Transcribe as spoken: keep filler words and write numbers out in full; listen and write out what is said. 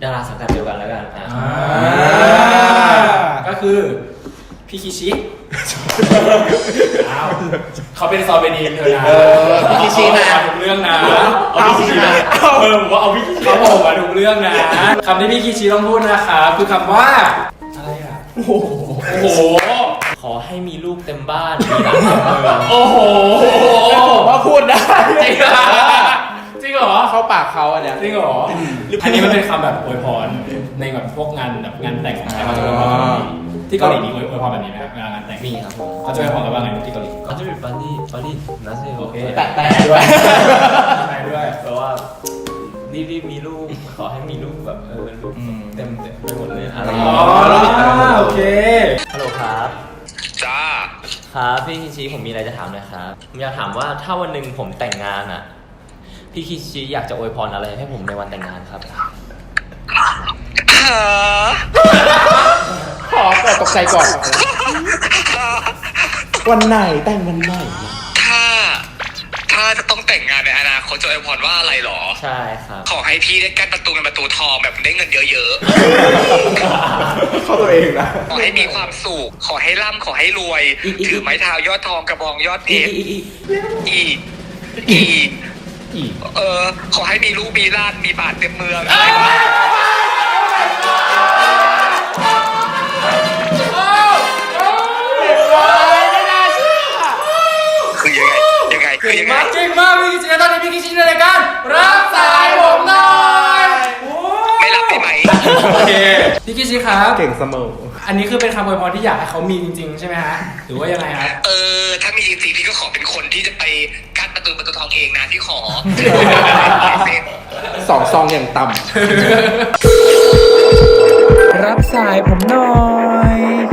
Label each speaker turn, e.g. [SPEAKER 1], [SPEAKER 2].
[SPEAKER 1] ดาราสังกัดเดียวกันแล้วกันอ่า
[SPEAKER 2] ก็คือพี่คิชิอ้าวเขาเป็นซอเบนีนเธอนะพี่คิชินะถูกเรื่องนะเอาพี่คิชินะเออผมว่าเอาพี่คิชิเขาบอกว่าถูกเรื่องนะคำที่พี่คิชิต้องพูดนะคะคือคำว่าอะไรอ่ะโอ้โหโอ้โห
[SPEAKER 1] ขอให้มีลูกเต็มบ้านมีหลานเต็มเมือง
[SPEAKER 2] โอ้โห
[SPEAKER 3] ว่าพูดได้
[SPEAKER 2] จริงเหรอจริงเหรอ
[SPEAKER 3] เข้าปากเขาอันเนี้ย
[SPEAKER 2] จริงเหรออันนี้มันเป็นคำแบบอวยพรในแบบพวกงานแบบงานแต่งของไทยเขาจะอวยพรที่เกาหลีมีอวยพรแบบนี้ไหมครับเวลางานแต่ง
[SPEAKER 1] มีครับผม
[SPEAKER 2] เขาจะอวยพรกันว่าไงที่เกาหลี
[SPEAKER 1] เขาจะเป็นปาร์ตี้ปาร์ตี้นะใช่โอเค
[SPEAKER 3] แปะแปะด้วย
[SPEAKER 2] แปะด้วย
[SPEAKER 1] แปลว่ารีบๆมีลูกขอให้มีลูกแบบเออลูกเต็มเต็มไปหมดเลยอะไร
[SPEAKER 2] อ๋อโอเค
[SPEAKER 1] ฮัลโหลครับ
[SPEAKER 4] จ้า
[SPEAKER 1] ครับพี่คิชิผมมีอะไรจะถามหน่อยครับผมอยากถามว่าถ้าวันหนึ่งผมแต่งงานอ่ะพี่คิชิอยากจะอวยพรอะไรให้ผมในวันแต่งงานครับ
[SPEAKER 3] ขอก่อนตกใจก่อนวันไหนแต่งวันไหน
[SPEAKER 4] ถ้าถ้าจะต้องแต่งงานในอนาคตจะอวยพรว่าอะไรหรอ
[SPEAKER 1] ใช่ครับ
[SPEAKER 4] ขอให้พี่ได้กั้นประตูเงินประตูทองแบบได้เงินเยอะ
[SPEAKER 3] ๆเข้าตัวเองนะ
[SPEAKER 4] ขอให้มีความสุขขอให้ร่ำขอให้รวยถือไม้เท้ายอดทองกระบองยอดเพชรอีกอีกเออขอให้มีลูกมีล้านมีบาทเต็มเมืองคือยังไงยังไงคือยังไง
[SPEAKER 2] จริงมากพี่คิชิตอนนี้พี่คิชิในรายการรับสายผมหน่อย
[SPEAKER 4] ไม่รับได้ไหม
[SPEAKER 2] โอเคพี่คิชิครับ
[SPEAKER 3] เก่งเสมอ
[SPEAKER 2] อันนี้คือเป็นคำอวยพรที่อยากให้เขามีจริงๆใช่ไหมฮะหรือว่ายังไงครับ
[SPEAKER 4] เออถ้ามีจริงๆพี่ก็ขอเป็นคนที่จะไปกั้นประตูประตูทองเองนะที่ขอ
[SPEAKER 3] สองซองอย่างต่ำรับสายผมหน่อย